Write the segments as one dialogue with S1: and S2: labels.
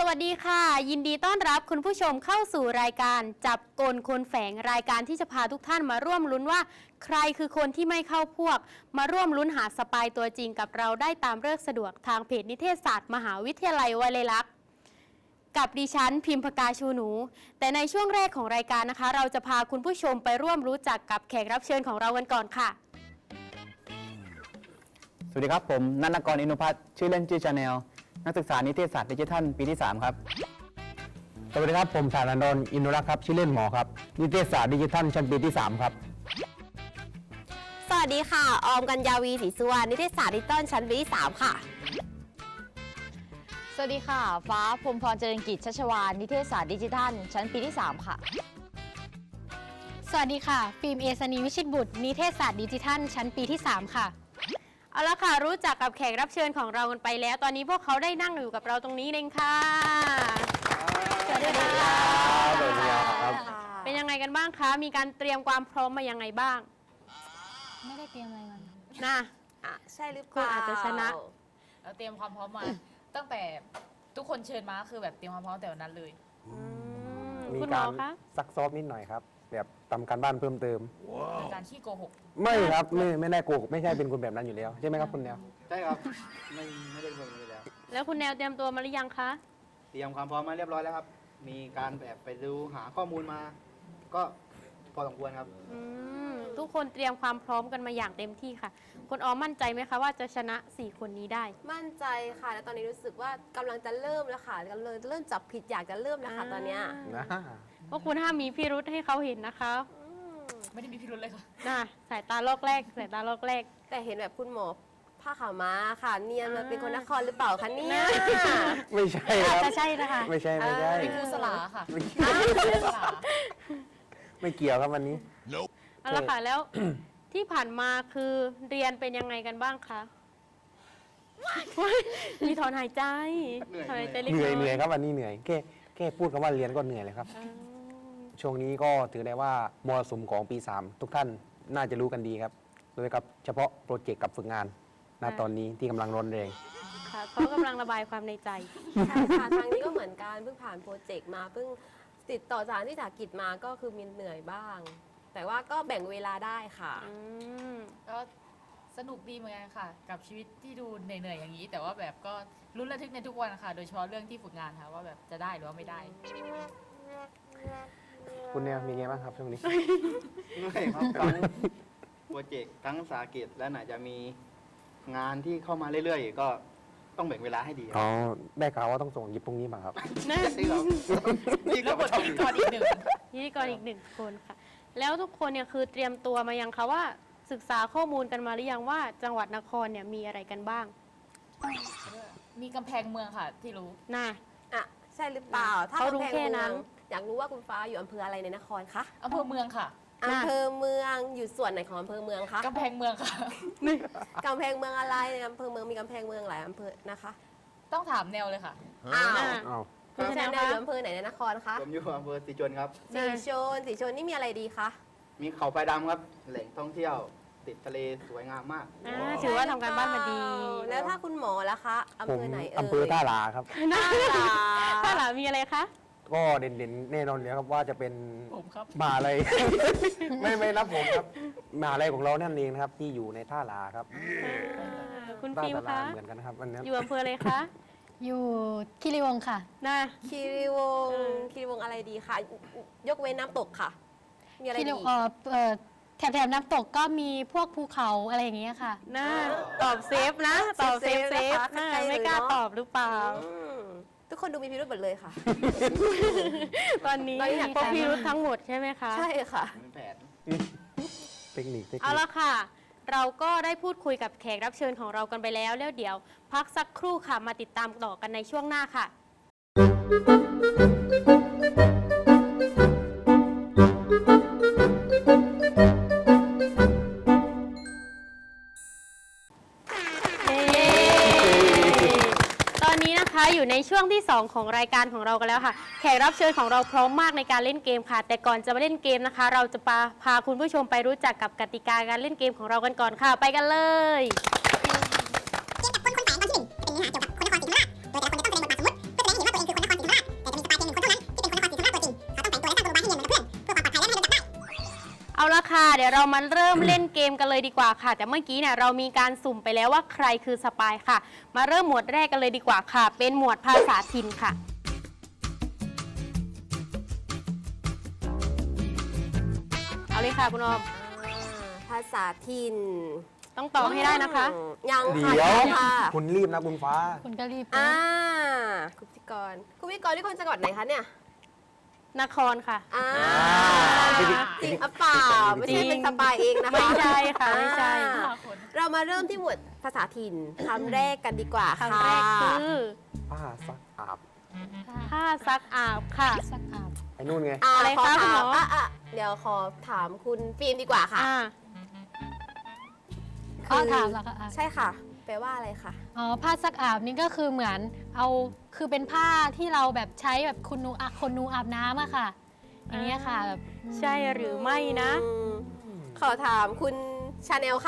S1: วัสดีค่ะยินดีต้อนรับคุณผู้ชมเข้าสู่รายการจับกลคนแฝงรายการที่จะพาทุกท่านมาร่วมลุ้นว่าใครคือคนที่ไม่เข้าพวกมาร่วมลุ้นหาสปายตัวจริงกับเราได้ตามฤกษ์สะดวกทางเพจนิเทศศาสตร์มหาวิทยาลัยวลัยลักษณ์กับดิฉันพิมพกาชูหนูแต่ในช่วงแรกของรายการนะคะเราจะพาคุณผู้ชมไปร่วมรู้จักกับแขกรับเชิญของเรากันก่อนค่ะ
S2: สวัสดีครับผมนันทกรอินุพัฒน์ชื่อเล่นชื่อชาแนลนักศึกษานิเทศศาสตร์ดิจิทัลปีที่3ครับสวัสดีครับผมสารันดรอินุรักษ์ครับชื่อเล่นหมอครับนิเทศศาสตร์ดิจิทัลชั้นปีที่3ครับ
S3: สวัสดีค่ะออมกัญญาวีศรีสุวรรณนิเทศศาสตร์ดิจิตอลชั้นปีที่3ค่ะ
S4: สวัสดีค่ะฟ้าพรหมพรเจริญกิจชัชวานนิเทศศาสตร์ดิจิทัลชั้นปีที่3ค่ะ
S1: สวัสดีค่ะฟิล์มเอสนีวิชิตบุตรนิเทศศาสตร์ดิจิทัลชั้นปีที่3ค่ะเอาละค่ะรู้จักกับแขกรับเชิญของเรากันไปแล้วตอนนี้พวกเขาได้นั่งอยู่กับเราตรงนี้เองค่ะสวัสดีค่ะ
S2: สวัสดีครับ
S1: เป็นยังไงกันบ้างคะมีการเตรียมความพร้อมมายังไงบ้าง
S4: ไม่ได้เตรียมอะไรมา
S1: นะ
S3: ใช่หรือเป
S1: คุณ
S3: ล่า
S1: อาจจะชนะ
S4: เราเตรียมความพร้อมมา ตั้งแต่ทุกคนเชิญมาคือแบบเตรียมความพร้อมแต่วันนั้นเลย
S5: มี
S1: คุณหม
S5: กา
S1: อ
S5: ร
S1: คะ
S5: ซักซ้อมนิดหน่อยครับแบบทำการบ้านเพิ่มเติม
S4: เป็นการขี้โกหก
S5: ไม่ครับไม่ได้โกหกไม่ใช่เป็นคนแบบนั้นอยู่แล้วใช่ไหมครับคุณแนว
S6: ใช่ครับ ไม่ได้เบิ่งเลยแล้ว
S1: แล้วคุณแนวเตรียมตัวมาหรือยังคะ
S6: เตรียมความพร้อมมาเรียบร้อยแล้วครับ มีการแบบไปดูหาข้อมูลมา ก็พอสมควรครับ
S1: ทุกคนเตรียมความพร้อมกันมาอย่างเต็มที่ค่ะคุณออมมั่นใจไหมคะว่าจะชนะ4คนนี้ได้
S3: มั่นใจค่ะแล้วตอนนี้รู้สึกว่ากำลังจะเริ่มแล้วค่ะกำลังเริ่มจับผิดอยากจะเริ่มแล้วค่ะตอนเนี้ย
S5: นะ
S1: พวกคุณห้ามมีพิรุธให้เขาเห็นนะคะ
S4: ไม่ได้มีพิรุธเลยค่ะ
S1: น่ะสายตาลอกแรกสายตาลอกแรก
S3: แต่เห็นแบบคุณหมอผ้าขาวม้าค่ะเนียนมาเป็นคนนครหรือเปล่าคะเนี่ย
S5: ไม่ใช่ค
S1: อาจ
S5: รับ
S1: จะใช่นะคะ
S5: ไม่ใช่
S4: เป็นครูสลาค่ะครูสลา
S5: ไม่เกี่ยวครับวันนี้
S1: เอาละค่ะแล้ว ที่ผ่านมาคือเรียนเป็นยังไงกันบ้างคะมีถอนหายใจ
S6: เหนื่อย
S1: ถอนหายใจเล็ก
S5: เหนื่
S1: น้
S5: อ
S1: อย ย
S5: เหนื่อยครับวันนี้เหนื่อยแค่พูดคำว่าเรียนก็เหนื่อยเลยครับ ช่วงนี้ก็ถือได้ว่ามรสุมของปี 3 ทุกท่านน่าจะรู้กันดีครับโดยกับเฉพาะโปรเจกต์กับฝึกงานณตอนนี้ที่กำลังร้อนแรง
S1: ค่ะเขากำลังระบายความในใจ
S3: ใช่ค่ะทางนี้ก็เหมือนกันเพิ่งผ่านโปรเจกต์มาเพิ่งติดต่อสถานที่จากกิจมาก็คือมีเหนื่อยบ้าง แต่ว่าก็แบ่งเวลาได้ค่ะ
S4: ก็สนุกดีเหมือนกันค่ะ กับชีวิตที่ดูเหนื่อยๆอย่างนี้ แต่ว่าแบบก็ลุ้นระทึกในทุกวันค่ะ โดยเฉพาะเรื่องที่ฝึกงานค่ะว่าแบบจะได้หรือว่าไม่ได้
S5: คุณแนวมีไงบ้างครับช่วงนี้
S6: เหนื่อยครับทั้งโปรเจกต์ทั้งสาหกิจและไหนจะมีงานที่เข้ามาเรื่อยๆ ก็ต้องแบ่งเวลาให้ดีค
S5: อ๋
S6: รั
S5: อบ ได้ข่าวว่าต้องส่งหยิบพรุ่งนี้มาครับ
S1: นะ
S6: นี่ครับนี่
S4: แล้
S6: ก็
S4: วบ
S6: มา
S4: ทพิธีกรอีกหนึ่ง
S1: พิธีกรอีกหนึ่งคนค่ะ แล้วทุกคนเนี่ยคือเตรียมตัวมายังคะว่าศึกษาข้อมูลกันมาหรือยังว่าจังหวัดนครเนี่ยมีอะไรกันบ้าง
S4: มีกำแพงเมืองค่ะที่รู้
S1: น่ะ
S3: อ่ะใช่หรือเปล่า ถ้า
S1: เขารู้
S3: กำแพง
S1: แค่
S3: เมื
S1: นั้
S3: อง
S1: น
S3: อยากรู้ว่าคุณฟ้าอยู่อำเภออะไรในนครคะ
S4: อำเภอเมืองค่ะ
S3: อำเภอเมืองอยู่ส่วนไหนของอำเภอเมืองคะ
S4: กำแพงเมืองค่ะ
S3: กำแพงเมืองอะไรในอำเภอเมืองมีกำแพงเมืองหลายอำเภอนะคะ
S4: ต้องถามแนวเลยค่ะ
S3: อ้าว
S1: น่ะ
S5: อ้าว
S1: คุณ
S3: คุณ
S1: แน
S3: แน
S1: ว
S3: วอยู่
S1: คะ
S3: อำเภอไหนในนครคะ
S6: ผมอยู่อำเภอสีชนครับ
S3: สีชนนี่มีอะไรดีคะ
S6: มีเขาไฟดำครับ แหล่งท่องเที่ยวติดทะเลสวยงามมาก
S1: ถือว่าทำการบ้านมาดี
S3: แล้วถ้าคุณหมอล่ะคะอำ
S5: ผ
S3: เภ
S5: ม
S3: อไหนเอ่ย
S5: อำเภอท่าหลาครับ
S1: น่า
S3: ท่าหลา
S1: ถ้าหลามีอะไรคะ
S5: ก็เด่นๆแน่นอนเลยครับว่าจะเป็น
S4: ผมครับ
S5: มหาลัย ไม่นับผมครับมหาลัยของเรานั่นเองนะครับที่อยู่ในท่าหลาครับ
S1: คุณ
S5: ท่า
S1: ฟิล์ม
S5: ตลา
S1: คะ
S5: เหมือนกันนะครับวันนี้
S1: อยู่อำเภออะไรคะ
S7: อยู่คิริวงศ์ค่ะ
S1: น่ะ
S3: คีรีวงศ์คีรีวงศ์อะไรดีคะยกเว้นน้ำตกค่ะ มีอะไร
S7: คิริ
S3: ดี
S7: วแถบน้ำตกก็มีพวกภูเขาอะไรอย่างเงี้ยค่ะ
S1: น่าตอบเซฟนะตอบเซฟเซฟน่าไม่กล้าตอบหรือเปล่า
S3: อืมทุกคนดูมีพิรุธหมดเลยค่ะ
S1: ตอนนี้
S3: ตอนนี้อยาก
S1: พวกพิรุธทั้งหมดใช่ไหมคะ
S3: ใช่ค่ะ
S6: เป็นแผน
S5: เทคนิค
S1: เอาละค่ะ เราก็ได้พูดคุยกับแขกรับเชิญของเรากันไปแล้วเดี๋ยวพักสักครู่ค่ะมาติดตามต่อกันในช่วงหน้าค่ะ ตอนนี้นะคะอยู่ในช่วงที่ 2 ของรายการของเรากันแล้วค่ะ แขกรับเชิญของเราพร้อมมากในการเล่นเกมค่ะ แต่ก่อนจะมาเล่นเกมนะคะ เราจะพาคุณผู้ชมไปรู้จักกับกติกาการเล่นเกมของเรากันก่อนค่ะ ไปกันเลย
S8: เกมจับคนคนแฝงตอนที่ 1 จะเป็นเนื้อหาเกี่ยวกับคนนครศรีธรรมราชโดยแต่ละคนจะต้องแสดงบทบาทสมมติเพื่อแสดงให้เห็นว่าตัวเองคือคนนครศรี
S1: เดี๋ยวเรามาเริ่มเล่นเกมกันเลยดีกว่าค่ะ แต่เมื่อกี้เนี่ยเรามีการสุ่มไปแล้วว่าใครคือสปายค่ะ มาเริ่มหมวดแรกกันเลยดีกว่าค่ะ เป็นหมวดภาษาถิ่นค่ะ เอาเลยค่ะคุณออม
S3: ภาษาถิ่น
S1: ต้องตอบให้ได้นะคะ
S3: ยัง
S5: เดี๋
S3: ค่ะ
S5: ยว
S3: ยังค่ะ
S5: คุณรีบนะคุณฟ้า
S7: คุณก็รีบ
S3: อ่า
S7: นะ
S3: คุณพิธีกรที่คนจังหวัดไหนคะเนี่ย
S1: นครค่ะ
S3: อ่า
S5: จริง
S3: จริงอ่ะเปล่าไม่ใช่เป็นสปายเองนะคะ
S1: ไม่ใช่ค่ะไม่ใช่
S3: อ่าเรามาเริ่มที่หมวดภาษาถิ่นคำแรกกันดีกว่า
S1: คำแรกคือ
S5: ป้าซักอาบ
S1: ผ้าซักอาบค่ะ
S7: สักอาบ
S5: ไอ้นู่นไง
S1: อะไร
S3: ขอ
S1: คะคุณ
S3: ถา
S1: หม
S3: ม
S1: อ
S3: เดี๋ยวขอถามคุณฟิล์มดีกว่าค่ะ
S1: อ่า
S7: อ๋อถามเหรอคะอ่ะ
S3: ใช่ค่ะ แปลว่าอะไรคะ
S7: อ๋อผ้าซักอาบนี่ก็คือเหมือนเอาคือเป็นผ้าที่เราแบบใช้แบบคนนูอาบน้ำอะค่ะ อย่างเงี้ยค่ะแบบ
S1: ใช่หรือไม่นะ
S3: ขอถามคุณชาแนลค่ะ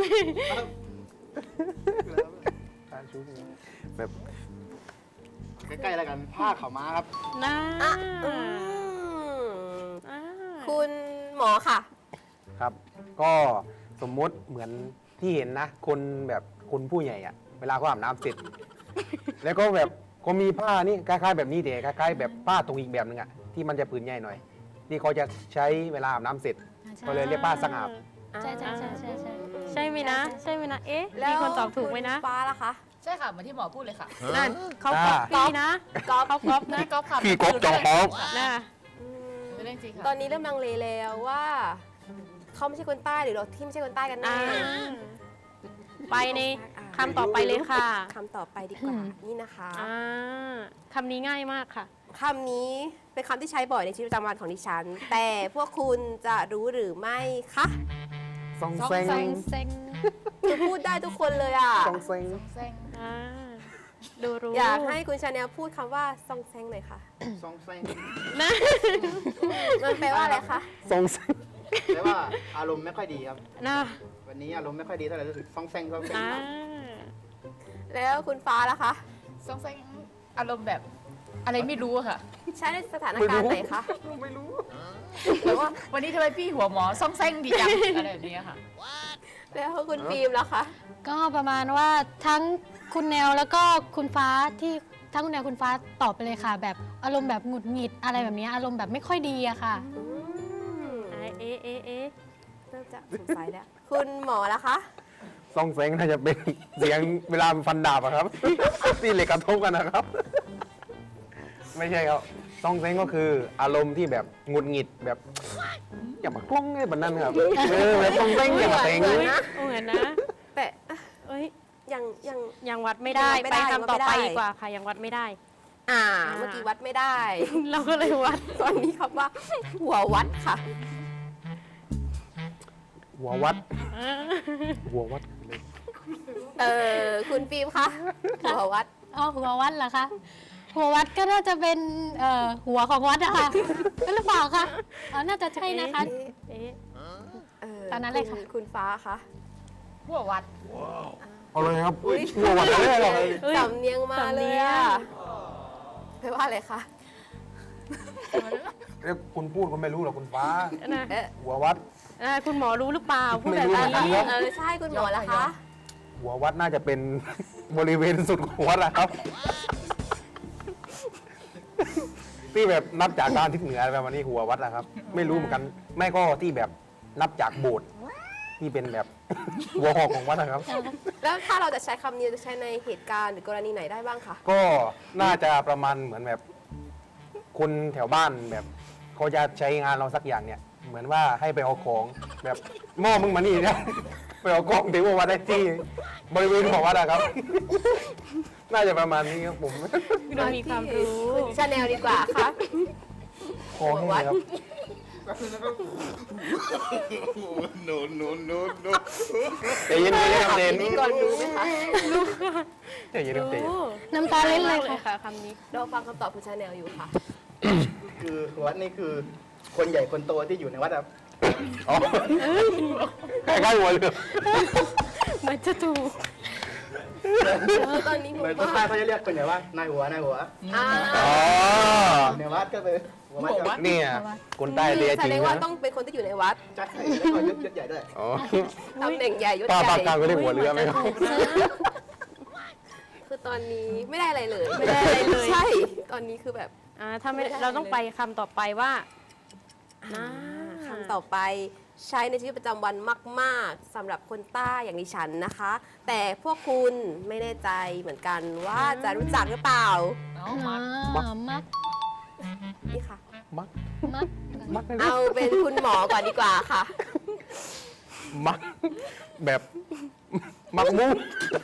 S5: แบบ
S6: ใกล้ๆแล้วกันผ้าขาวม้าครับ
S1: นะ
S3: อืม
S1: อ่า
S3: คุณหมอค่ะ
S5: ครับ ก็สมมุติเหมือนที่เห็นนะ คนแบบคนผู้ใหญ่อะเวลาเขาอาบน้ำเสร็จ แล้วก็แบบก็มีผ้านี่คล้ายๆแบบนี้แต่คล้ายๆแบบผ้าตรงอีกแบบนึงอะที่มันจะผืนใหญ่หน่อย ที่เขาจะใช้เวลาอาบน้ำเสร็จ ก็เลยเรียกผ้าซักอาบ
S7: ใช่ใช่ใช่ใช่ใช่
S1: ใช่ไหมนะ ใช่ไหมนะ เอ๊ะ
S3: แล้ว
S1: มีคนตอบถูกไหมนะ
S3: คุณฟ้าล่ะคะ
S4: ใช่ค่ะเหมือนที่หมอพูดเลยค่ะ
S1: นั่นเขาก๊อปปี้นะเขาก๊อปนะ
S4: พี่ก๊อฟค่ะ
S5: พี่ก๊อฟจองก๊อฟ
S1: นะ
S3: อืม
S4: เป็นเรื่องจริงค่ะ
S3: ตอนนี้เริ่มลังเลแล้วว่าเขาไม่ใช่คนใต้หรือเราที่ไม่ใช่คนใต้กันแน่
S1: อ่าไปในคำต่อไปเลยค่ะ
S3: คำต่อไปดีกว่า นี่นะคะ
S1: อ่าคำนี้ง่ายมากค่ะ
S3: คำนี้เป็นคำที่ใช้บ่อยในชีวิตประจำวันของดิฉัน แต่พวกคุณจะรู้หรือไม่คะ
S5: ซอง
S4: ซอง
S5: เซ็ง
S4: แซ
S7: เซ็ง
S3: คือพูดได้ทุกคนเลยอ่ะ
S5: ซองเซ็ง
S4: แซง
S1: อ่า ดูรู้
S3: อยากให้คุณชาแนลพูดคำว่าซองแซงหน่อยค่ะ
S6: ซองแซง
S1: นะ
S3: มันแปลว่าอะไรคะ
S5: ซองเซ็ง
S6: แปลว่าอารมณ์ไม่ค่อยดีครับ
S1: นะ
S6: วันนี้อารมณ์ไม่ค่อยดีเท่าไหร่รู้สึกซองแซงซองแซง
S1: อ่า
S3: แล้วคุณฟ้าล่ะคะ
S4: ซองแซงอารมณ์แบบอะไรไม่รู้อะค่ะ
S3: ใช้ในสถานการณ์ไหนคะ
S5: ไม่รู้
S3: แต่ว่า
S4: วันนี้ทำไมพี่หัวหมอซองแซงดีจังอะไรแบบนี้ค่ะ
S3: แล้วคุณฟิล์มล่ะคะ
S7: ก็ประมาณว่าทั้งคุณแนวแล้วก็คุณฟ้าที่ทั้งคุณแนวคุณฟ้าตอบไปเลยค่ะ แบบอารมณ์แบบหงุดหงิดอะไรแบบเนี้ยอารมณ์แบบไม่ค่อยดีอะค่ะ
S3: อืม
S1: เอ๊ะเอ๊ะเอ๊ะ
S3: เริ่มจะสงสัยแล้ว คุณหมอล่ะคะ
S5: ซองเซ็งน่าจะเป็นเสียงเวลาฟันดาบอะครับ ที่เหล็กกระทบกันนะครับ ไม่ใช่ครับซองเซ็งก็คืออารมณ์ที่แบบหงุดหงิดแบบ อย่ามากล้องไอ้แบบนั้นครับแบบซองเซ็งอย่ามาเซ็ง
S3: เหมือนนะ
S1: เหมือนนะ
S3: แต่
S1: เอ้ย
S3: ยัง
S1: ยังวัดไม่ได้
S3: ยังวัดไม่
S1: ไป
S3: ได้
S1: คำต่อ
S3: ยังวัดไม่
S1: ไป
S3: ได้
S1: ดีกว่าค่ะ ยังวัดไม่ได้
S3: เมื่อกี้วัดไม่ได้
S1: เราก็เลยวัด
S3: ตอนนี้คำว่า หัววัดค่ะ
S5: หัววัด หัววัด
S3: คุณฟิล์มคะ หัววัด
S7: อ๋อหัววัดเหรอคะ หัววัดก็น่าจะเป็นหัวของวัดอะค่ะหรือเปล่าคะอ๋อน่าจะใช่นะคะ
S1: เอ๊ะ
S7: ตอนนั้นเลยค่ะ
S3: คุณฟ้าคะ
S4: หัววัด
S5: เอาเลยครับหัววัดเลยเหรอ
S1: เอ้ย
S3: สำเนียงมาเลยอะแปลว่าอะไรคะ
S5: เรียกคุณพูดคุณไม่รู้หรอกคุณฟ้า
S1: นะ
S5: หัววัด
S1: คุณหมอรู้หรือเปล่าพูดแบบ
S5: ไม่รู้เหมือนกัน
S1: นี้
S5: ครับ
S3: ใช่คุณหมอละคะ
S5: หัววัดน่าจะเป็น บริเวณสุดของวัดนะครับ ที่แบบนับจากด้านทิศเหนือประมาณนี้หัววัดนะครับ ไม่รู้เหมือนกัน ไม่ก็ที่แบบนับจากโบสถ์ที่เป็นแบบ หัวหอกของวัดนะครับ
S3: แล้วถ้าเราจะใช้คำนี้จะใช้ในเหตุการณ์หรือกรณีไหนได้บ้างคะ
S5: ก็น่าจะประมาณเหมือนแบบ คนแถวบ้านแบบเขาจะใช้งานเราสักอย่างเนี่ย เหมือนว่าให้ไปเอาของแบบหม้อมึงมานี่นะ ไปเอากล้องถึงวัดได้ที่บริเวณของวัดอะครับ น่าจะประมาณนี้ครับผม
S1: ดูมีความรู้
S3: คุณชาแนลดีกว่าค่ะ
S5: คอแห้งเลยครับ
S6: โนโนโนโน
S5: ใจเย็นๆครับใจเย็น
S3: พิธีกรรู้ไหมคะ
S5: ใจเย็นๆใจเย็น
S7: น้ำตาเล่นเลยค่ะ
S1: ค่ะคำนี้
S3: เราฟังคำตอบคุณชาแนลอยู่ค่ะ
S6: คือวัดนี่คือคนใหญ่คนโตที่อยู่ในวัดครับ
S5: อ๋อใกล้ๆหัวเลย
S1: มันจะถูก
S3: ตอนนี้หมู่
S6: เหมือนคน
S3: บ้า
S6: ใต้
S3: น
S6: เขาจะเรียกคนไหนว่านายหัวนายหัว
S3: อ่า
S5: อ๋อ
S6: ในวัดก็เป็นหัววัด
S5: เนี่ยคนใต้เรีย
S3: แส
S5: จริ
S3: ด
S5: ง
S3: งว่า
S5: นะ
S3: ต้องเป็นคนที่อยู่ในวัด
S6: ใช่แล้วก็ยศใหญ่ด้วย
S5: อ๋อ
S3: ตำแหน่งใหญ่ยศ
S5: ป้า
S3: ให
S5: ภา
S3: ญ่
S5: คกลางก็เรียกหัวเรือไหมครับ
S3: คือตอนนี้ไม่ได้อะไรเลย
S1: ไม่ได้อะไรเลย
S3: ใช่ตอนนี้คือแบบ
S1: ถ้าไม่
S3: ไม่ได้
S1: เราต้องไปคำต่อไปว่า
S3: คำต่อไปใช้ในชีวิตประจำวันมาก ๆสำหรับคนใต้อย่างดิฉันนะคะ แต่พวกคุณไม่แน่ใจเหมือนกันว่าจะรู้จักหรือเปล่า
S4: เอา
S7: อ๋
S4: มา
S7: อมัก
S3: นี่ค่ะ
S5: มัก
S7: มัก
S5: มักเลยนะ
S3: เอาเป็นคุณหมอก่อนดีกว่าค่ะ
S5: มักแบบมักมุ้ง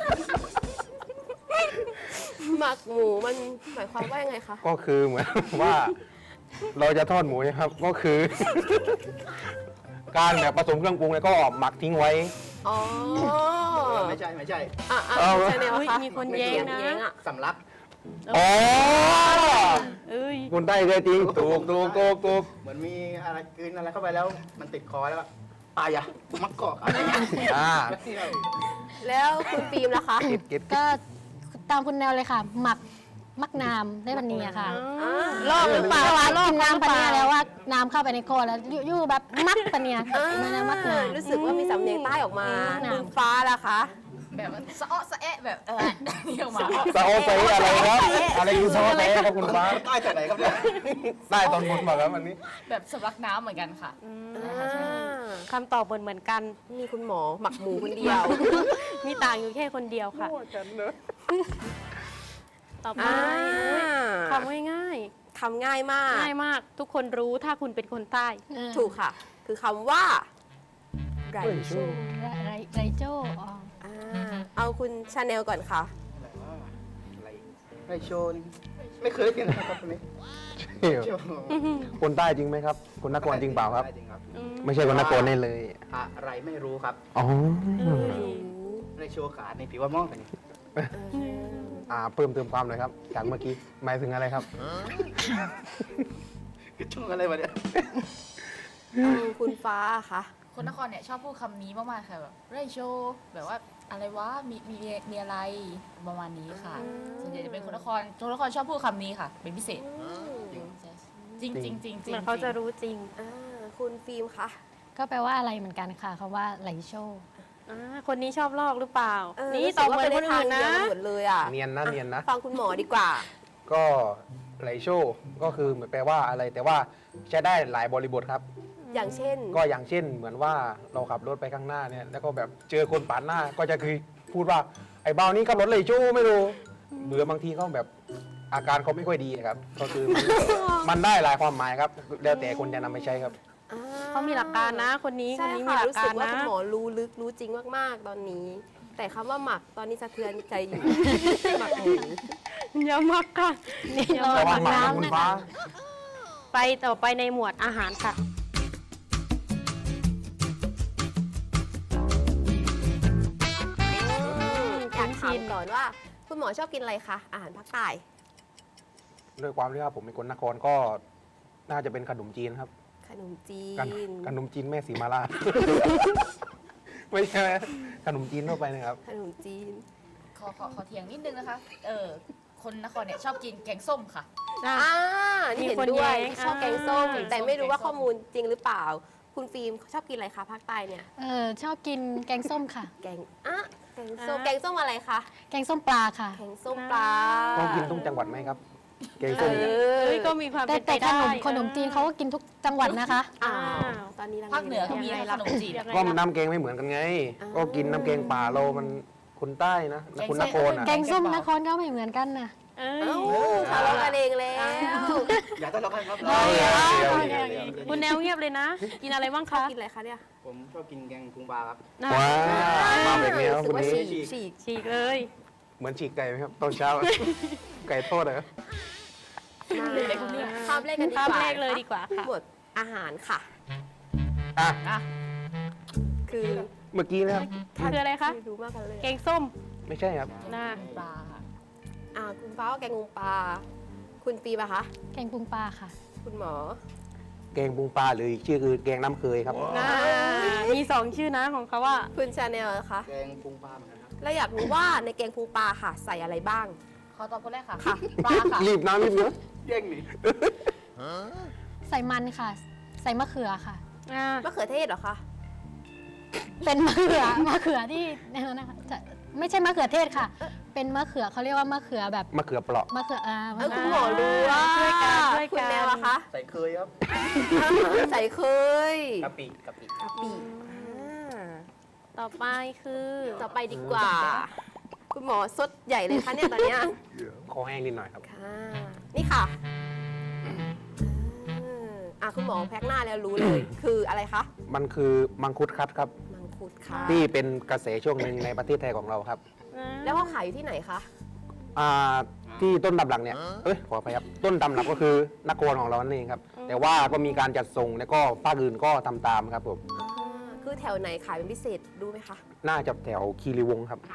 S3: หมักหมูมันหมายความว่ายังไงคะ
S5: ก็คือเหมือนว่าเราจะทอดหมูนะครับ ก็คือ การแบบผสมเครื่องปรุงแล้วก็หมักทิ้งไว้
S3: อ๋อ
S6: ไม่ใช่ไม่ใช่
S3: อ่ะ
S5: เอา
S3: ใช่แนว
S1: อุ๊ย
S3: ค่ะ
S1: มีคนแย้งนะ
S3: แย้งอ่ะ
S6: สำลัก
S5: อ๋อ
S1: เอ้ย
S5: คนใต้เลยจริงถูก
S6: เหมือนมีอะไรกลืนอะไรเข้าไปแล้ว มันติดคอแล้วตายอ่ะมักเกาะอะไรอย่างเงี้ย
S5: อ่า
S3: แล้วคุณฟิล์มล่ะคะ
S5: เก็ต
S7: ก็ตามคุณแนวเลยค่ะ หมักมักน้ำได้วันนี้อะค่ะ
S1: ลอกหรือเปล่า
S7: ว่า
S1: ลอก
S7: กินน้ำปะเนียแล้วว่าน้ำเข้าไปในคอแล้วยู่ๆแบบมักปะเนีย
S3: อ่า
S7: มันนะมักน้ำ
S3: รู้สึกว่ามีสำเนียงใต้ออกมา
S7: อืม
S3: คุณฟ้าล่ะคะ
S4: แบบว่าสะอ้อสะแอะแบบนี่ออกมา
S5: ซาโอเซอะไรครับอะไรคือซาโอเซครับคุณฟ้า
S6: ใต้จากไหนครับเนี่ย
S5: ใต้ตอนบนมาครับวันนี้
S4: แบบสำลักน้ำเหมือนกันค่ะ
S1: คำตอบเหมือนกัน
S3: มีคุณหมอหมักหมูคนเดียว
S1: มีต่างอยู่แค่คนเดียวค่ะ ต่อไป
S3: อ่า
S1: คำง่าย
S3: คำง่ายมาก
S1: ๆง่ายมาก ทุกคนรู้ถ้าคุณเป็นคนใต้
S3: ถูกค่ะ คือคำว่าไรชู
S7: ไรโจ้อ๋อ
S3: อ่าเอาคุณชาแนลก่อนค่ะ
S6: อะไรไรโชนไม่เคยได้ยินนะครับคนนี้โชว์
S5: คนใต้จริงไหมครับ คนนครจริงเปล่าครับ
S6: ได้จริงครับ
S5: ไม่ใช่คนนครแน่เลย
S6: อะไรไม่รู้ครับ
S5: อ๋อ
S6: ไรโชว์ขาในผิวว่ามองกันนี่
S5: เพิ่มเติมความหน่อยครับ จากเมื่อกี้ หมายถึงอะไรครับ
S6: คือช่วงอะไรวะเนี่ย
S3: เอาคุณฟ้าค่ะ
S4: คนนครเนี่ยชอบพูดคำนี้มากๆค่ะแบบไรโชแบบว่าอะไรวะมีอะไรประมาณนี้ค่ะ ส่วนใหญ่จะเป็นคนนครชอบพูดคำนี้ค่ะ เป็นพิเศษจริงจริงจริง
S1: เหมือนเขาจะรู้จริง
S3: คุณฟิล์มค่ะ
S7: ก็แปลว่าอะไรเหมือนกันค่ะคำว่าไหลโชว์
S1: คนนี้ชอบลอกหรือเปล่า นี่
S3: รู้
S1: ต
S3: สึ
S1: อบ
S3: กว่า
S1: เหมือนคนอื่นนะ
S3: ไปใทางเดียวกัหมดเลยอ่ะ
S5: เนียนนะเนียนนะ
S3: ฟังคุณหมอดีกว่า
S5: ก็ไหลโชว์ก็คือเหมือนแปลว่าอะไร แต่ว่าใช้ได้หลายบริบทครับ
S3: อย่างเช่น
S5: ก็อย่างเช่นเหมือนว่าเราขับรถไปข้างหน้าเนี่ย แล้วก็แบบเจอคนปาดหน้า ก็จะคือพูดว่าไอ้เบานี้ขับรถไหลโชว์ไม่รู้หรือบางทีเขาแบบอาการเขาไม่ค่อยดีครับ ก็คือมันได้หลายความหมายครับ แล้วแต่คนจะนำไปใช้ครับ
S1: เขามีหลักการนะ คนนี้
S3: ใช่
S1: มี
S3: ค่ะ
S1: หลัก
S3: รู้
S1: กา
S3: สึ
S1: ร
S3: กว่า
S1: นะ
S3: คุณหมอรู้ลึกรู้จริงมากๆ ตอนนี้ แต่คำว่าหมักตอนนี้สะเทือนใจอยู่ หมักหมู
S1: อย่ามักค่ะ
S7: เรา
S5: ระวั
S7: หมั
S5: ง
S7: ก
S5: หมานะ
S7: น้ำ
S5: คุณ
S7: นะ
S5: ฟ้า
S7: คะ
S1: ไปต่อไปในหมวดอาหารค่ะ
S3: อยากถามก่อนว่า คุณหมอชอบกินอะไรคะ อาหารภาคใต้
S5: ด้วยความที่ว่าผมเป็นคนนครก็น่าจะเป็นขนมจีนครับ
S3: ขนมจี
S5: ขนมจีนแม่สีมาลา ไม่ใช่ขนมจีนทั่วไปนะครับ
S3: ขนมจีน
S4: ขอเถียงนิดนึงนะคะ คนนครเนี่ยชอบกินแกงส้มค่ะ
S3: นี่เห็น
S1: มีคน
S3: ด้วย
S1: แย้ง
S3: ชอบแกงส้ม
S1: อ่า
S3: แต่ไม่รู้ว่าข้อมูลจริงหรือเปล่า คุณฟิล์มชอบกินอะไรคะภาคใต้เนี่ย
S7: ชอบกินแกงส้มค่ะ
S3: แกงแกงส้มแกงส้มอะไรคะ
S7: แกงส้มปลาค่ะ
S3: แกงส้มปลา
S5: ต้องกินทุกจังหวัดไหมครับแกงส้มเนี่ย
S1: เอ้ยก็มีความ
S7: แต่
S1: เป็นไป
S7: แต่ข
S1: ได้
S7: นมขนมจีนเขาก็กินทุกจังหวัดนะคะ
S3: อ้าวตอนนี้ลัง
S4: ภาคเหนือก็มี
S1: ยังไง
S4: นะ
S1: ล่ะ
S4: ขนมจีน
S1: ยังไง
S5: ก็
S1: ล่ะ
S5: น้ำแกงไม่เหมือนกันไง ก็กินน้ำแกงป่าเรามันคนใต้นะคนนครอ่ะ
S7: แกงส้มนครก็ไม่เหมือนกันนะ
S1: เอ้ย
S3: ทะเลาะกันเองแล้ว
S6: อย่าทะเลาะกันครับ
S5: เอาเลยเอาเลย
S1: เอา
S5: เอา
S1: เล
S5: เลย ย
S1: คุณแนวเงียบเลยนะ กินอะไรบ้าง
S3: ชอบ
S1: คะ
S3: กินอะไรคะเนี่ย
S6: ผมชอบกินแกงพุงปลาครับ
S1: นะ
S5: ว้าวมาแบบนี้ครับ
S3: รู้สึ
S5: คุ
S3: ก
S5: ณ
S3: ว่า
S5: นี้
S3: ฉีก
S1: ฉีกเลย
S5: เหมือนฉีกไก่ไหมครับตอนเช้า ไก่ทอดเหรอ
S3: ข้ามเลขกันดีกว่า
S1: ข้ามเลขเลยดีกว่าค่ะ
S3: หมวดอาหารค่ะ
S5: อ่ะ
S3: คือ
S5: เมื่อกี้นะครับ
S1: คืออะไรคะ
S3: ไม่รู้มากกันเลย
S1: แกงส้ม
S5: ไม่ใช่ครับ
S1: นะ
S4: ปลาค่ะ
S3: คุณฟ้าก็แกงงปลา คุณปีปะคะ
S7: แกงปรุงปลาค่ะ
S3: คุณหมอ
S5: แกงปรุงปลาหรืออีกชื่อคือแกงน้ำเคยครับ
S1: มีสองชื่อนะของเขาว่า
S3: คุณชาแนลนะคะ
S6: แกงพุงปลาเหมือนกันครับ
S3: แล้วอยากรู้ว่าในแกงพุงปลาค่ะ ใส่อะไรบ้าง
S4: ขอตอบคนแรกค่ะ
S3: ค่ะ
S4: ปลาค่ะ
S5: รีบนะรีบนะ
S6: แย่งนี่
S7: ใส่มันค่ะ ใส่มะเขือค่ะ
S3: มะเขือเทศเหรอคะ
S7: เป็นมะเขือ มะเขือที่นะคะจะไม่ใช่มะเขือเทศค่ะ เป็นมะเขือเขาเรียกว่ามะเขือแบบ
S5: มะเขือเปราะ
S7: มะเขือ
S3: เออ
S7: มะเขื
S3: คุณหมอรู้ว่า
S1: ช่วยกันช่วย
S3: คุณ
S1: กัน
S3: แนวอะคะ
S6: ใส่เคยครับ
S3: ใส่เคย
S6: กะปิกะปิ
S3: กะปิอ่า
S1: ต่อไปคือ
S3: ต่อไปดีกว่า คุณหมอสดใหญ่เลยคะเนี่ยตอนเนี้ย
S5: คอแห้งนิดหน่อยครับ
S3: ค่ะ นี่ค่ะคุณหมอแพ็กหน้าแล้วรู้เลย คืออะไรคะ
S5: มันคือมังคุดคัดครับ
S3: มังคุดค่ะ
S5: ที่เป็นกระแสช่วงหนึ่งในประเทศไทยของเราครับ
S3: แล้วเขาขายอยู่ที่ไหนคะ
S5: ที่ต้นตำรับเนี่ยขออภัยครับ ต้นตำรับก็คือนครของเรานั่นเองครับ แต่ว่าก็มีการจัดส่งแล้วก็ภาคอื่นก็ทำตามครับผม
S3: คือแถวไหนขายเป็นพิเศษรู้ไหมคะ
S5: น่าจะแถวคีรีวงศ์ครับ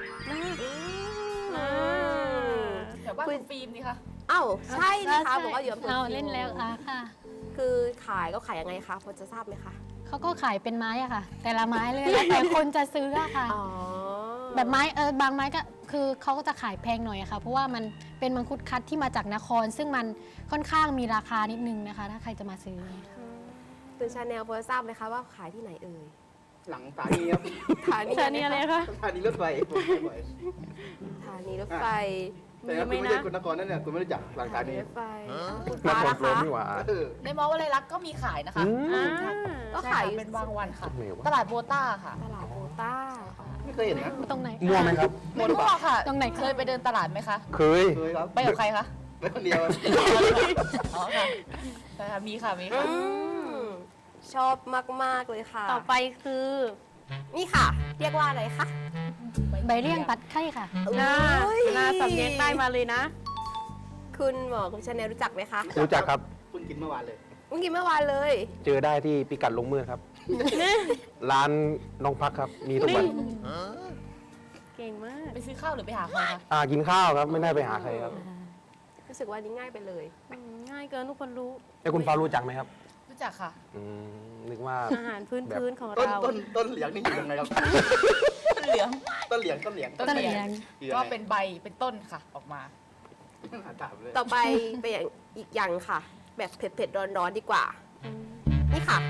S4: แถวบ้านคุณฟิล์มนี่ค่ะ
S3: เอ้าใช่นะคะบอกว่าอยู่อำเภอ
S7: เรา
S3: คีรีวงศ์
S7: เล่นแล้วค่ะ
S3: คือขายก็ขายยังไงคะพอจะทราบไหมคะ
S7: เขาก็ขายเป็นไม้อะค่ะ แต่ละไม้เลยแล้วแต่คนจะซื้ออะค่ะ
S3: อ๋อ
S7: แบบไม้บางไม้ก็คือเขาก็จะขายแพงหน่อยอะค่ะ เพราะว่ามันเป็นมังคุดคัดที่มาจากนคร ซึ่งมันค่อนข้างมีราคานิดนึงนะคะ ถ้าใครจะมาซื้อ
S3: คุณชาแนลพอจะทราบไหมคะว่าขายที่ไหนเอ่ย
S6: หลังสถานีครับ
S3: สถานี
S1: ชาเนียอะไรคะ
S6: สถานีรถไฟผมไปบ่อย
S3: สถานีรถไฟ
S6: แต่ถ้าคุณไม่ใช่คนนครนั่นเนี่ยคุณไม่รู้จักหลังสถานี
S3: รถไฟคุณ
S5: น
S3: ฟ้า
S5: คร
S3: ล่ะ
S5: พนม
S3: คะ
S5: นี่หว่า
S6: เออ
S4: ในมอวลัยลักษณ์ก็มีขายนะคะ
S3: ก็
S4: ใช่
S3: ขาย
S4: ค่ะเป็นบางวันค่ะ
S5: ไม่รู้ว่า
S4: ตลาดโบต้าค่ะ
S3: ตลาดโบต้า
S6: ไม่เคยเห็นนะ
S7: ตรงไหน
S5: มั่วไหมครับ
S4: ไม่รู้อะค่ะ
S7: ตรงไหนคะ
S4: เคยไปเดินตลาดไหมคะ
S5: เคย
S6: เคยครับ
S4: ไปกับใครคะ
S6: ไปคนเดียว
S4: อ๋อค่ะใช่ค่ะมีค่ะมีค่ะ
S3: ชอบมาก ๆ เลยค่ะ
S1: ต่อไปคือ
S3: นี่ค่ะ เรียกว่าอะไรคะ
S7: ใบเลี่ยงตัดไข่ค่ะ
S1: หน้า
S3: อุ๊ย
S1: หน้าสำเนียงใต้มาเลยนะ
S3: คุณหมอคุณชาแนลรู้จักไหมคะ
S5: รู้จักครับ
S6: คุณกินเมื่อวานเลย
S3: เมื่อกี้เมื่อวานเลย
S5: เจอได้ที่พิกัดลงมือครับ ร้านน้องพักครับ มีทุกวัน
S1: เก่งมาก
S4: ไปซื้อข้าวหรือไปหาใครคะ
S5: กินข้าวครับ ไม่ได้ไปหาใครครับ
S3: รู้สึกว่านี้ง่ายไปเลย
S1: ง่ายเกินทุกคนรู้
S5: แล้วคุณฟ้ารู้จักไหมครับ
S4: รู้จักค่ะ
S5: นึกว่า
S1: อาหารพื้นๆของ
S6: ต้น
S1: เรา
S6: ต้นเหลียงนี่อยู่ยังไงครับ
S4: ต้นเหลือง
S6: ต้นเหลียงต้นเหลียง
S4: ต้นเหลียง
S6: อยู่ยัง
S4: ก็
S6: ไง
S4: เป็นใบเป็นต้นค่ะออกมา
S6: ถามเลย
S3: ต่อไปเป็นอย่างอีกอย่างค่ะ แบบเผ็ด ๆ ร้อน ๆ ดีกว่า นี่ค่ะ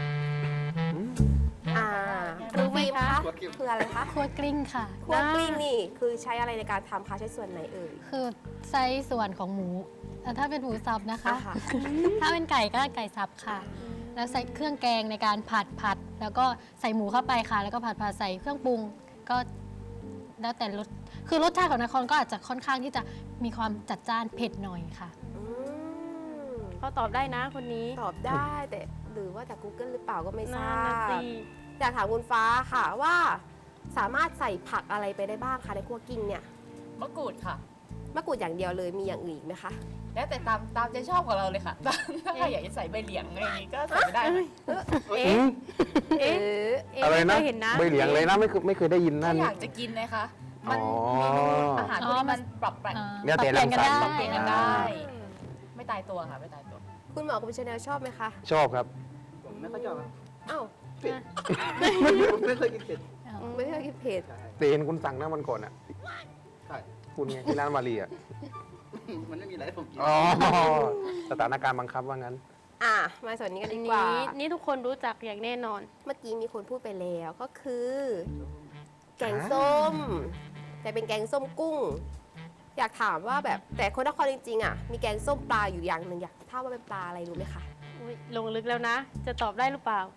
S1: รู้ไหมคะ
S3: คืออะไรคะ
S7: คั่วกลิ้งค่ะ
S3: คั่วกลิ้งนี่ คือใช้อะไรในการทำคะใช้ส่วนไหนเอ่ย
S7: คือใช้ส่วนของหมูถ้าเป็นหมูสับนะคะ
S3: อ่าค่ะ
S7: ถ้าเป็นไก่ก็ไก่สับค่ะ แล้วใส่เครื่องแกงในการผัด แล้วก็ใส่หมูเข้าไปค่ะ แล้วก็ผัดใส่เครื่องปรุง ก็แล้วแต่รส คือรสชาติของนครก็อาจจะค่อนข้างที่จะมีความจัดจ้านเผ็ดหน่อยค่ะ
S3: อืม
S1: เขาตอบได้นะคนนี้
S3: ตอบได้แต่หรือว่าจาก Google หรือเปล่าก็ไม่ท
S1: น่า
S3: รา
S1: นะ
S3: บ
S1: สิ
S3: อยากถามคุณฟ้าค่ะว่าสามารถใส่ผักอะไรไปได้บ้างคะในคั่วกลิ้งเนี่ย
S4: มะกรูดค่ะ
S3: มะกรูดอย่างเดียวเลยมีอย่างอื่นอีกไหมคะ
S4: แล้วแต่ตามใจชอบของเราเลยค่ะ ถ้าใครอยากจะใส่ใบเหลียงอะไรอย่างนี้ก็ใส่ไปได้ค่ะ
S1: เอ๊ะ เอ๊ะ เอ๊ะ
S5: อะไร
S1: ไม่
S5: นะ
S1: เคยเห็นนะ
S5: ใบเหลียงเลยนะไม่เคยได้ยิน
S4: ถ้า
S5: นั่น
S4: อยากจะกินนะคะ มัน
S5: อ๋อ
S4: เมนูอาหารพวกนี้มันปรับแปลง
S5: แล้วแต่รังสรรค์
S4: ปรับเปลี่ยนกันได้ ไม่ตายตัวค่ะไม่ตายตัว
S3: คุณหมอคุณชาแนลชอบไหมคะ
S5: ชอบครับ
S6: ผมไม่ค่อยชอบครับ
S3: อ้าว
S6: เผ็ดผมไม่เคยกินเผ็ด
S3: ไม่ได้กินเผ็ด
S6: ใช่
S5: แต่เห็นคุณสั่งหน้ามันก่อนอ่ะ
S6: ใช่
S5: คุณไงที่ร้านมารีอ่ะ
S6: มันไม่มีอะไรให้ผมกิน
S5: อ๋อ สถานการณ์บังคับว่างั้น
S3: มาส่วนนี้กัน
S1: อั
S3: ดี
S1: น
S3: กว่า
S1: นี้นี่ทุกคนรู้จักอย่างแน่นอน
S3: เมื่อกี้มีคนพูดไปแล้วก็คือ แกงส้ม แต่เป็นแกงส้มกุ้ง อยากถามว่าแบบแต่คนนครจริงๆอ่ะมีแกงส้มปลาอยู่อย่างหนึ่งอยากทราบว่าเป็นปลาอะไรรู้ไหมคะ
S1: อุ๊ยลงลึกแล้วนะ จะตอบได้หรือเปล่า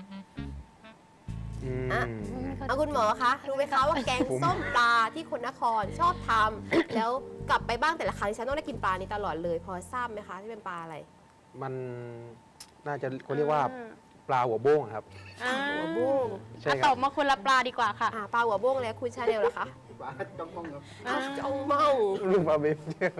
S3: อ่ะ เอาคุณหมอคะรู้ไหมคะว่าแกงส้มปลาที่คนนครชอบทำแล้วกลับไปบ้างแต่ละครั้งฉันต้องได้กินปลานี้ตลอดเลย พอทราบไหมคะที่เป็นปลาอะไร
S5: มันน่าจะเขาเรียกว่าปลาหัวโบ้งอะครับ
S3: หัวบุ้ง
S5: ใช่ค
S1: ต
S5: รั
S1: อ
S5: บบ
S1: มาคนละปลาดีกว่าค่ะ
S3: ปลาหัวบุ้งแล้วคุณชาแนลล่ะคะ
S6: ปลาจ้องมองครับ
S3: จ้องเมา
S5: ลูกปลาเบฟ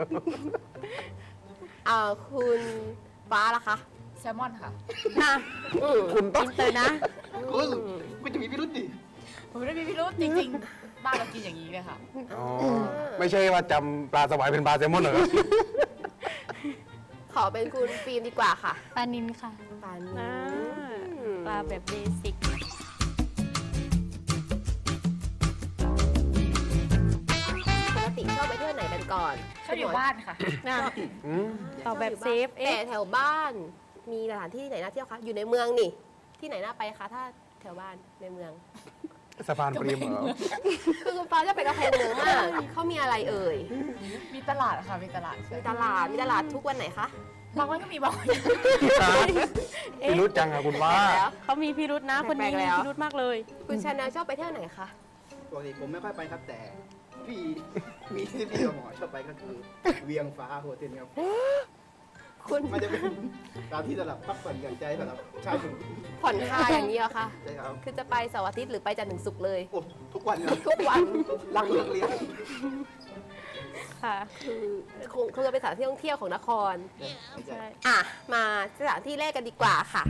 S3: คุณฟ้าล่ะคะ
S4: แซลมอนค่ะ
S5: คุณต้อง
S1: อินเตอร์นะ
S6: คุณจะมีพิรุษดิ
S4: ผมไม่ได้มีพิรุธจริงๆ บ้านเรากินอย่างนี้เลยค่ะ
S5: อ๋อไม่ใช่ว่าจำปลาสวายเป็นปลาแซลมอนเหรอครับ
S3: ขอเป็นคุณฟิล์มดีกว่าค่ะ
S7: ปลานินค่ะ
S3: ปลา
S1: อ่า ปลาแบบเบสิก
S4: อบอยู่บ้านค่ะ
S1: นะ
S5: อืม
S1: ตอบแบบเซฟ
S3: แต่
S1: เอ๊ะ
S3: แถวบ้านมีสถานที่ไหนน่าเที่ยวคะอยู่ในเมืองนี่ ที่ไหนน่าไปคะถ้าแถวบ้านในเมือง
S5: สะพานปริมเหรอ
S3: คือคุณฟ้าจะไปกำแพงเมืองมากเขามีอะไรเอ่ย
S4: มีตลาดค่ะ มีตลาดใช่
S3: มีตลาดทุกวันไหนคะ
S4: บางวันก็มีบางวัน
S5: พี่รู้จังอะคุณว่า
S3: แล้ว
S1: เขามีพิรุษนะ คนนี้
S3: แปลกๆ
S1: มี
S3: แล้ว
S1: พิรุษมากเลย
S3: คุณชาแนลชอบไปเที่ยวไหนคะ
S6: ปกติผมไม่ค่อยไปครับแต่พี่มีที่พี่กับหมอชอบไปก็คือเวียงฟ้าโฮเทลครับ
S3: คุณ
S6: มันจะเป็นสถานที่สำหรับพักผ่อนหย่อนใจสำหรับชายหนุ่ม
S3: ผ่อนคลายอย่างนี้เหรอคะ
S6: ใช่ครับ
S3: คือจะไปเสาร์อาทิตย์หรือไปจันทร์ถึงศุกร์เลย
S6: โอ้ทุกวันเลย
S3: ทุกวัน
S6: หลังเลิกเรียน
S1: ค่ะ
S3: คือคงจะเป็นสถานที่ท่องเที่ยวของนคร
S6: ไม่ใช่
S1: ใช่
S3: อ่ะ มาสถานที่แรกกันดีกว่าค่ะ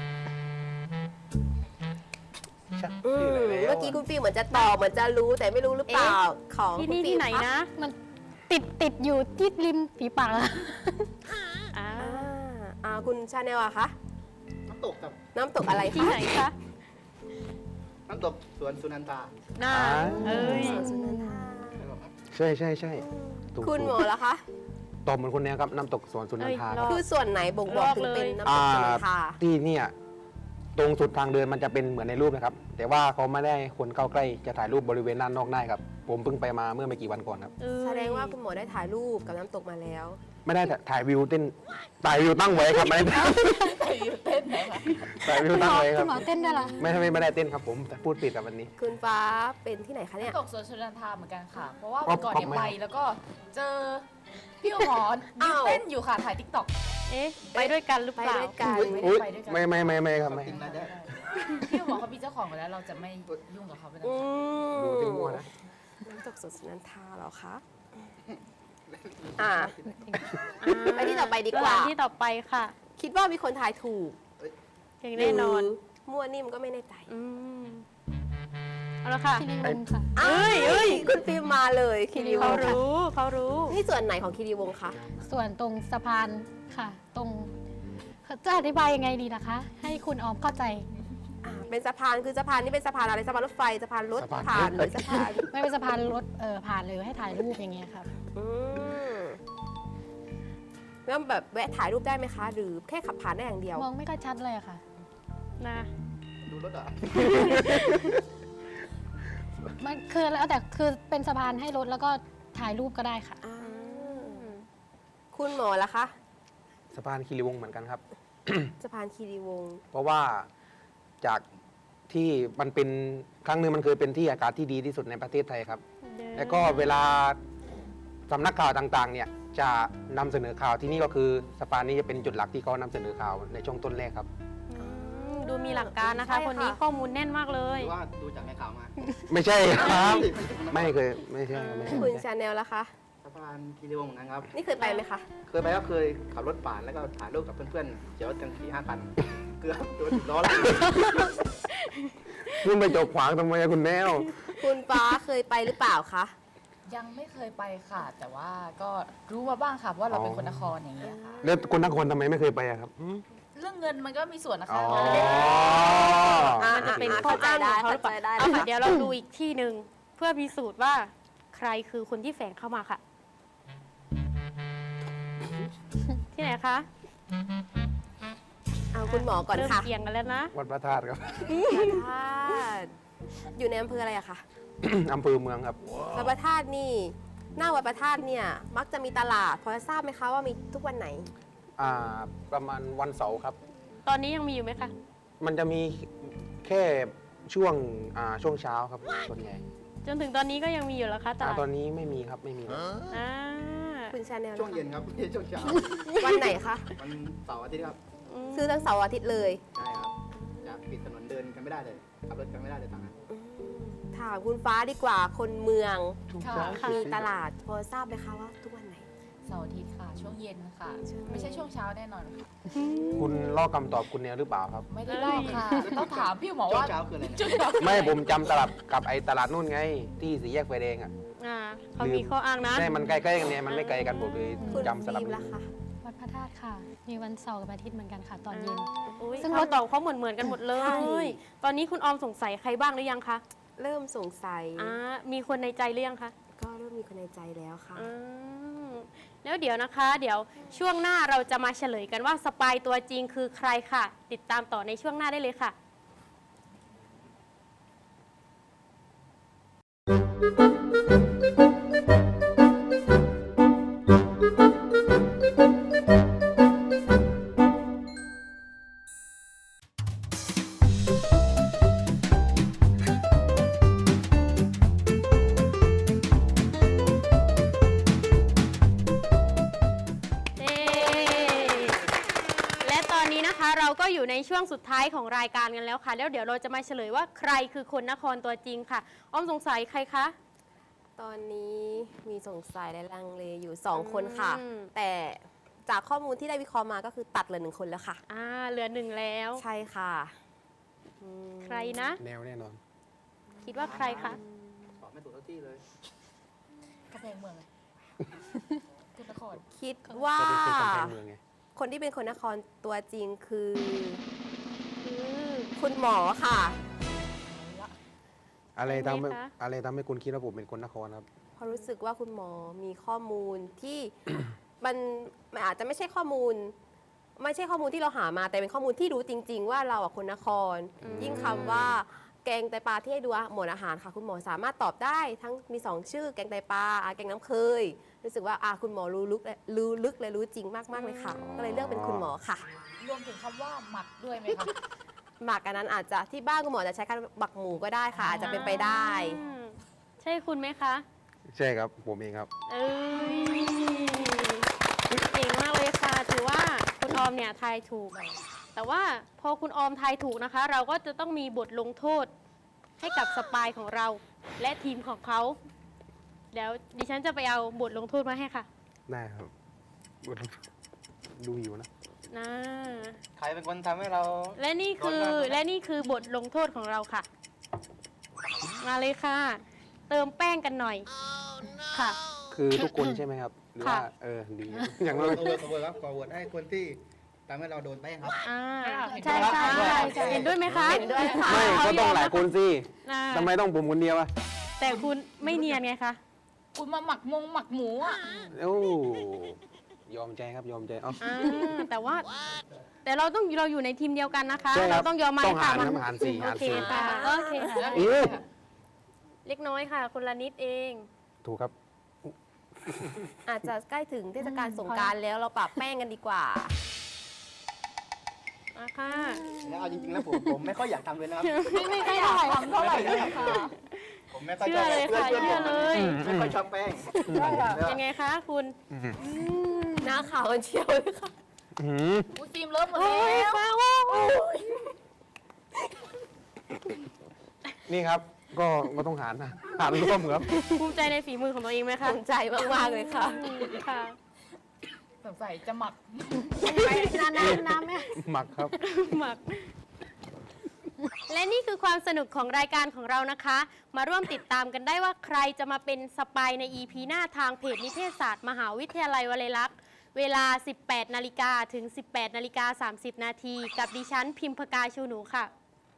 S3: เมื่อกี้คุณฟิลเหมือนจะตอบเหมือนจะรู้แต่ไม่รู้หรือเปล่า ของ
S1: ที่
S3: คุณ
S1: นี่
S3: ฟิ
S1: ที่
S3: ล
S1: ไหน
S3: คะ
S1: นะ
S7: มันติดอยู่ที่ริมฝีปากอะ
S1: อ่า
S3: คุณชาแนลอะคะ
S6: น้ำตกกับ
S3: น้ำตกอะไร
S1: ที่
S3: คะ
S1: ไหนคะ
S6: น้ำตกสวนสุนันทา
S1: น่าเอ้ย
S3: สวนสุนันทา
S6: ใช่ไหมครับ
S5: ใช่ใช่ใช่ถูก
S3: คุณหมอละคะ
S5: ตอบเหมือนคนเนี้ยครับน้ำตกสวนสุนันทา
S1: เอ้ย
S5: ครับ
S3: คือส่วนไหนบ่งบอกถึงเป็นน้ำตกสุนันทา
S5: ที่เนี่ยตรงสุดทางเดินมันจะเป็นเหมือนในรูปนะครับ แต่ว่าเขาไม่ได้ให้คนเข้าใกล้จะถ่ายรูปบริเวณด้านนอกได้ครับ ผมเพิ่งไปมาเมื่อไม่กี่วันก่อนครับ
S1: เอ้ย
S3: แสดงว่าคุณหมอได้ถ่ายรูปกับน้ำตกมาแล้ว
S5: ไม่ได้ถ่ายวิวเต้นถ่ายวิวตั้งไว้ครับไม่ได้
S4: อยู่เต้นไหนคะ
S5: ถ่ายวิวตั้งไว้ค
S7: คุ
S5: รับ
S7: ณหมอเต้นได้วยเหรอ
S5: ไม่ได้เต้นครับผมแต่พูดผิดกับวันนี้
S3: คุณฟ้าเป็นที่ไหนคะเนี่ย
S4: ตกสวนชนันทาเหมือนกันค่ะ เพราะว่า
S5: ป๊
S4: วั
S5: อน ป
S4: ก่อน
S5: ป๊อป
S4: เนี่ย
S5: ไหม
S4: ไปแล้วก็เจอพี่หมอนยื
S3: อ้าน ว
S4: เต้นอยู่ค่ะ ถ่ายทิกตอก
S1: เอ๊ะ ไปด้วยกันหรือ
S3: ไป
S1: เปล่า
S3: ด้วยกัน
S5: อุ๊ย
S4: ไปด้วยกัน
S5: ไม่ครับไม่
S6: จริงนะเนี่ย
S4: พี่หมอเขามีเจ้าของไปแล้วเราจะไม่ยุ่งกับเขาไปแล้ว
S3: อื
S5: ดูที่มั่วนะ
S3: น้ำตกสวนสุนันทาเหรอคะไปที่ต่อไปดี
S1: ส
S3: กว่า
S1: ถานที่ต่อไปค่ะ
S3: คิดว่ามีคนทายถูก
S1: อย่างแน่นอน
S3: หรือมั่วนิ่มก็ไม่แน่ใจ
S1: อืมเอาละค่ะ
S7: คิริวงศ์ค่ะ
S3: เอ้ยคุณฟิล์มมาเลยคีรีว
S1: เขา
S3: งศ์ค่ะ
S1: รู้เขารู้
S3: นี่ส่วนไหนของคีรีวงศ์คะ
S7: ส่วนตรงสะพานค่ะ ตรงจะอธิบายยังไงดีนะคะ ให้คุณออมเข้าใจ
S3: เป็นสะพานคือสะพานนี่เป็นสะพานอะไรสะพานรถไฟสะพานรถ
S5: สะพาน
S3: ผ่านหรือสะพาน
S7: ไม่เป็นสะพานรถผ่านเลยให้ถ่ายรูปอย่างเงี้ยครับ
S3: อืมแล้วแบบแวะถ่ายรูปได้ไหมคะ หรือแค่ขับผ่านได้อย่างเดียว
S7: มองไม่ค่อยชัดเลยอะค่ะ
S1: นะ
S6: ดูรถอ่ะ
S7: มันคือแล้วแต่คือเป็นสะพานให้รถแล้วก็ถ่ายรูปก็ได้ค่ะ
S3: อ่าคุณหมอละคะ
S5: สะพานคีรีวงศ์เหมือนกันครับ
S3: สะพานคีรีวงศ์
S5: เพราะว่าจากที่มันเป็นครั้งหนึ่งมันเคยเป็นที่อากาศที่ดีที่สุดในประเทศไทยครับ แล้วก็เวลาสำนักข่าวต่างๆ เนี่ยจะนำเสนอข่าวที่นี่ก็คือสะพานนี้จะเป็นจุดหลักที่เขานำเสนอข่าวในช่วงต้นแรกครับ
S1: ดูมีหลักการนะคะ คนนี้ข้อมูลแน่นมากเล
S6: ห
S1: ย
S6: รือว่าดูจากในข่าวมา
S5: ไม่ใช่ครับ ไม่เคยไม่ใช่ไม่ใช่
S3: คุณชาแนลละคะ
S6: สะพานคีรีวงศ์เหมือนกันครับ
S3: นี่เคยไปไหมคะ
S6: เคยไปก็เคยขับรถผ่านแล้วก็ถ่ายรูปกับเพื่อนๆเดี๋ยวกัน4-5 คัน เกือบโดนล้อหลัง
S5: คุณไปจกขวางทำไมอะคุณแนว
S3: คุณฟ้าเคยไปหรือเปล่าคะ
S4: ยังไม่เคยไปค่ะ แต่ว่าก็รู้มาบ้างค่ะว่าเราเป็นคนนครอย่างเงี้ยค่ะ
S5: แล้วคนทั้งคนทำไมไม่เคยไปอะครับ
S4: เรื่องเงินมันก็มีส่วนนะคะ
S5: อ๋อ
S1: มันจะเป็นข้ออ้างของเขาหรือเปล่า
S3: เข้าใจได้
S1: เอาค่ะ
S3: ค่ะ
S1: เดี๋ยวเราดูอีกที่หนึ่งเพื่อพิสูจน์ว่าใครคือคนที่แฝงเข้ามาค่ะ ที่ไหนคะ
S3: เอาคุณหมอก่อน
S1: เริ่ม
S3: ค่ะ
S1: เกี่ยงกันแล้วนะ
S5: วัดพระธาตุครับ
S3: พระธาตุอยู่ในอำเภออะไรอะคะ
S5: อำเภอเมืองครับ
S3: วัดพระธาตุนี่หน้าวัดพระธาตุเนี่ยมักจะมีตลาดพอจะทราบไหมคะว่ามีทุกวันไหน
S5: ประมาณวันเสาร์ครับ
S1: ตอนนี้ยังมีอยู่ไหมคะ
S5: มันจะมีแค่ช่วงช่วงเช้าครับส่วนใหญ่
S1: จนถึงตอนนี้ก็ยังมีอยู่แล้วคะตลาด
S5: ตอนนี้ไม่มีครับไม่มีแล้ว
S1: อ่า
S3: คุณชาแนล
S6: ช่วงเย็นครับไม่ใช่ช่วงเช้า
S3: วันไหนคะ
S6: วันเสาร์อาทิตย์ครับ
S3: ซื้อทั้งเสาร์อาทิตย์เลย
S6: ใช่ครับจะปิดถนนเดินกันไม่ได้เลยขับรถกันไม่ได้เลยต่างหาก
S3: ถามคุณฟ้าดีกว่าคนเมือง
S4: ค่ะ
S3: มีตลาดพอทราบไหมคะว่าทุกวันไหน
S4: เสาร์อาทิตย์ค่ะ ช่วงเย็นค่ะ ไม่ใช่ช่วงเช้าแน่นอนค่ะ
S5: คุณลอกคำตอบคุณแนวหรือเปล่าครับ
S4: ไม่ได้ลอกค่ะ ต้องถามพี่หมอ
S6: ช่ว
S4: ว่าง
S6: เช้าคืออะไรนะ
S4: จุดเช้า
S5: ไม่ผมจำตลาดกับไอ้ตลาดนู่นไง ที่สี่แยกไฟแดงอ่ะ
S1: เขามีข้ออ้างนะ
S5: ใช่มันใกล้ๆกันเนี่ยมันไม่ไกลกันผมเลย
S3: คุณ
S5: จำสลับ
S3: ฟิล์มล่ะคะ
S7: วัดพระธาตุค่ะ มีวันเสาร์กับอาทิตย์เหมือนกันค่ะ ตอนเย็น
S1: ซึ่งรถตอบเขาเหมือนกันหมดเล
S3: ใช่
S1: ย ตอนนี้คุณออมสงสัยใครบ้างหรือยังคะ
S3: เริ่มสงสัย
S1: มีคนในใจหรือยังคะ
S3: ก็เริ่มมีคนในใจแล้วค่ะ
S1: อ่าแล้วเดี๋ยวนะคะ เดี๋ยวช่วงหน้าเราจะมาเฉลยกันว่าสปายตัวจริงคือใครค่ะ ติดตามต่อในช่วงหน้าได้เลยค่ะ เย้และตอนนี้นะคะเราก็อยู่ในช่วงสุดท้ายของรายการกันแล้วค่ะ แล้วเดี๋ยวเราจะมาเฉลยว่าใครคือคนนครตัวจริงค่ะ อ้อมสงสัยใครคะ
S3: ตอนนี้มีสงสัยและลังเลอยู่ 2 คนค่ะ
S1: อืม
S3: แต่จากข้อมูลที่ได้วิเคราะห์มาก็คือตัดเหลือ1 คนแล้วค่ะ
S1: เหลือหนึ่งแล้ว
S3: ใช่ค่ะอืม
S1: ใครนะ
S5: แนวแน่นอน
S1: คิดว่าใครคะ
S6: ตอบไม่ถูกทุกที่เลย
S4: กระแพงเมืองเลยคุณนคร
S3: คิดว่า
S5: ก็เป็นคนกำแพงเมืองไง
S3: คนที่เป็นคนนครตัวจริงคือคุณหมอค่ะ
S5: อะไรทำให้
S1: ใช่ไหมคะ
S5: อะไรทำให้คุณคิดว่าผมเป็นคนนครครับ
S3: เพราะรู้สึกว่าคุณหมอมีข้อมูลที่ มันอาจจะไม่ใช่ข้อมูล ไม่ใช่ข้อมูลที่เราหามา แต่เป็นข้อมูลที่รู้จริง ๆ ว่าเราอะคนนคร ยิ่งคำว่าแกงไตปลาที่ให้ดูหมวดอาหารค่ะ คุณหมอสามารถตอบได้ทั้งมี 2 ชื่อ แกงไตปลาแกงน้ำเคย รู้สึกว่าคุณหมอรู้ลึกและรู้จริงมากๆเลยค่ะ ก็เลยเลือกเป็นคุณหมอค่ะ
S4: รวมถึงคำว่าหมักด้วยไหมคะ
S3: หมักอันนั้นอาจจะที่บ้านคุณหมอจะใช้การหมักหมูก็ได้ค่ะ อาจจะเป็นไปได้
S1: อืมใช่คุณไหมคะ
S5: ใช่ครับ ผมเองครับ
S1: เอ้ยเก่งมากเลยค่ะ ถือว่าคุณออมเนี่ยทายถูก แต่ว่าพอคุณออมทายถูกนะคะ เราก็จะต้องมีบทลงโทษให้กับสปายของเรา และทีมของเขาเดี๋ยวดิฉันจะไปเอาบทลงโทษมาให้ค่ะ
S5: ได้ครับ ดูอยู่นะ
S1: นะ
S6: ใครเป็นคนทำให้เรา
S1: และนี่คือบทลงโทษของเราค่ะ มาเลยค่ะ เติมแป้งกันหน่อยค่ะ
S5: คือทุกคนใช่ไหมครับ หรือว่า
S1: ค่ะ
S5: ดี อย่างน้อย
S6: ขอโหวตครับขอโหวตให้คนที่ทำให้เราโดนแป้งครับ
S1: ใช่ใช่ใช่เห็นด้วยไหมคะ
S3: เห็นด้วยค่ะ
S5: ไม่ก็ต้องหลายคนสิ
S1: อ่า
S5: ทำไมต้องผมคนเดียวอะ
S1: แต่คุณไม่เนียนไงคะ
S4: คุณมาหมักหมูอ่ะ
S5: โอ้ยอมใจครับ ยอมใจ เอา
S1: แต่เราอยู่ในทีมเดียวกันนะคะ
S5: ใช่ครั
S1: เรา
S5: บ
S1: ต้องยอมมา
S5: ต้องหาร
S1: ค่ะ
S5: ครับหารสี่
S1: โอ
S5: หาร
S1: เค
S5: สี่
S1: ค่ะโอเคค่ะ
S5: โอ้
S1: เล็กน้อยค่ะ คนละนิดเอง
S5: ถูกครับ
S3: อาจจะใกล้ถึงเทศกาลสงกรานต์แล้วเราปรับแป้งกันดีกว่า
S1: มาค่ะ
S6: แล้วเอาจริงๆแล้วผมไม่ค่อยอยากทำเลยนะครับ
S4: ไม่ค่อยได้ทำเท่าไหร่เลยค่ะ
S6: ผมไม่ค่อยช
S1: เชื่
S6: อ
S1: อบ เลยค่ะ
S6: เพื่อน
S1: เชื่อ
S6: ผม
S1: เลย
S6: ไม่ค่อยชอบแป้ง
S1: ยังไงคะคุณ
S3: หน้าขาวกันเชียวเลยค่ะ
S5: หืม
S4: อุ้ยฟิล์มเริ่มหมด
S1: โอ้
S4: แล้
S1: ยว ฟ้าโอ้ย
S5: นี่ครับ ก็ต้องหารนะหารร่วมครับ
S1: ภูมิใจในฝีมือของตัวเองไหมคะ
S3: ภูมิใจมากๆเลยค่ะ
S1: ค่ะ
S4: สงสัยจะหมัก
S7: น้ำไหม
S5: หมักครับ
S1: หมัก และนี่คือความสนุกของรายการของเรานะคะ มาร่วมติดตามกันได้ว่าใครจะมาเป็นสปายใน EP หน้าทางเพจนิเทศศาสตร์มหาวิทยาลัยวลัยลักษณ์เวลา 18 นาฬิกาถึง 18 นาฬิกา 30 นาทีกับดิฉันพิมพกาชูหนูค่ะ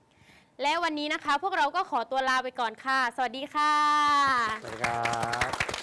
S1: และวันนี้นะคะ พวกเราก็ขอตัวลาไปก่อนค่ะ สวัสดีค่ะ
S5: สวัสดีครับ